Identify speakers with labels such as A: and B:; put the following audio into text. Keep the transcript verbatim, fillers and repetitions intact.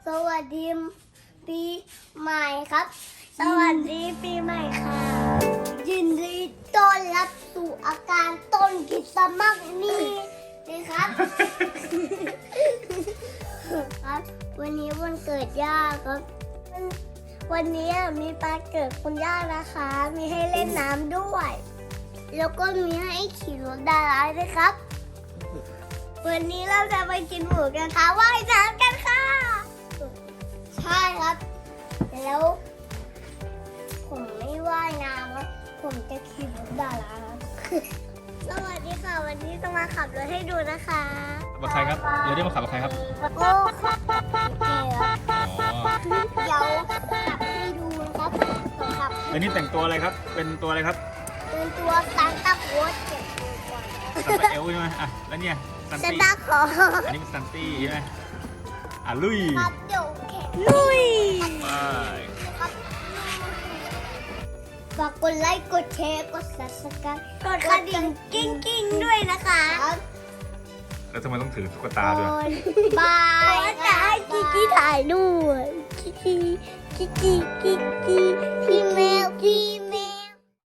A: สวัสดีปีใหม่ครับสวัสดีปีใหม่ค่ะยินดีต้อนรับสู่อาการต้นคริสต์มาสนี่นะครับ ครับวันนี้วันเกิดย่าครับวันวันนี้มีปาเกิดคุณย่านะคะ มีให้เล่นน้ำด้วย แล้วก็มีให้ขี่รถดาราด้วยครับ วันนี้เราจะไปกินหมูกระทะว่ายน้ำกันค่ะใช่ครับแล้ว ผมไม่ว่ายน้ำครับผมจะขี่รถดาราครับ สวัสดีค่ะวันนี้จะมาขับรถให้ดูนะคะ
B: กับใครครับเดี๋ยวได้มาขับกับใครครับ
A: โอ้ครับโอเคครับ
B: อ๋อ
A: เดี๋ยวขับให้ดูนะครับผมขับ
B: แล้วนี่แต่งตัวอะไรครับ เป็นตัวอะไรครับ
A: เป็นตัวซานต้าโคลสเก็บตัวก่อน
B: ซันตาเอลใช่ไหมอ่ะแล้วเนี่ยซัน
A: ซาน
B: ตี้
A: ต้าคลอ
B: อันนี้เป็นซันตี้ใช่ไหมอ่ะลุย
A: ครับเดี๋ยวแข่งลุย
B: ไป
A: ครับฝากกดไลค์กดแชร์กด ซับสไครบ์กดกระดิ่งกิ้งกิ้งๆด้วยนะคะ
B: แล้วทำไมต้องถือตุ๊กตาด้วย
A: บายจะให้กิกกี้ถ่ายด้วยกิกกี้กิกกี้กิกกี้พี่แมวพี่